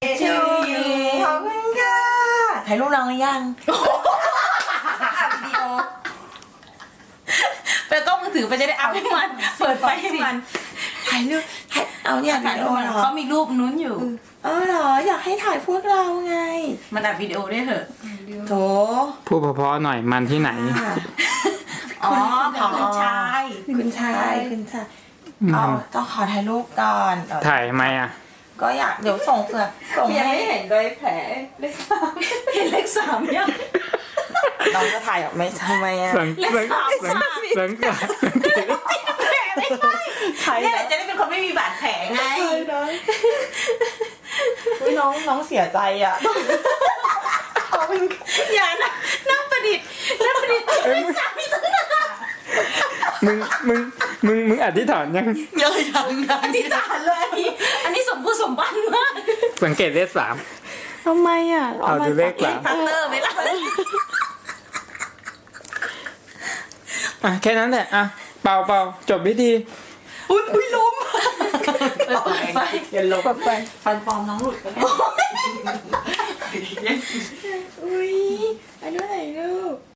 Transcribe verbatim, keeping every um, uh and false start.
to you ขอบคุณค่ะถ่ายรูปน้องหรือยังอัดวิดีโอไปกล้องมือถือไปจะได้อัพให้มันเปิดไฟให้มันถ่ายรูปถ่ายเอาเนี่ยถ่ายรูปเหรอเขามีรูปนู้นอยู่เออเหรออยากให้ถ่ายพวกเราไงมันอัดวิดีโอได้เหรอโถพูดเพราะๆหน่อยมันที่ไหนอ๋อคุณชายคุณชายคุณชายเอาต้องขอถ่ายรูปก่อนถ่ายทำไมอ่ะก็อยากเดี๋ยวส่งเผื่อส่งยังให้ไม่เห็นรอยแผลเลขสามเห็นเลขสามยังน้องจะถ่ายออกไหมทำไมอ่ะสังสังสังสังกัดแผลไม่ใช่เนี่ยจะได้เป็นคนไม่มีบาดแผลไงอุ้ยน้องน้องเสียใจอ่ะอย่านะนั่งประดิษฐ์นั่งประดิษฐ์ไม่สามีตั้งนานมึงมึงมึงมึงอธิษฐานยังยังยังยังอธิษฐานเลยอันนี้อันนี้สมบูรณ์สมบันมากสังเกตเลขสามทำไมอ่ะเอาดูเลขสามพัตเตอร์ไหมล่ะอ่ะแค่นั้นแหละอ่ะเป่าเป่าจบพิธีอุ้ยอุ้ยล้มเปิดไฟอย่าล้มเปิดไฟฟันปลอมน้องหลุดไปแล้วอุ้ยอันนี้ไหนลูก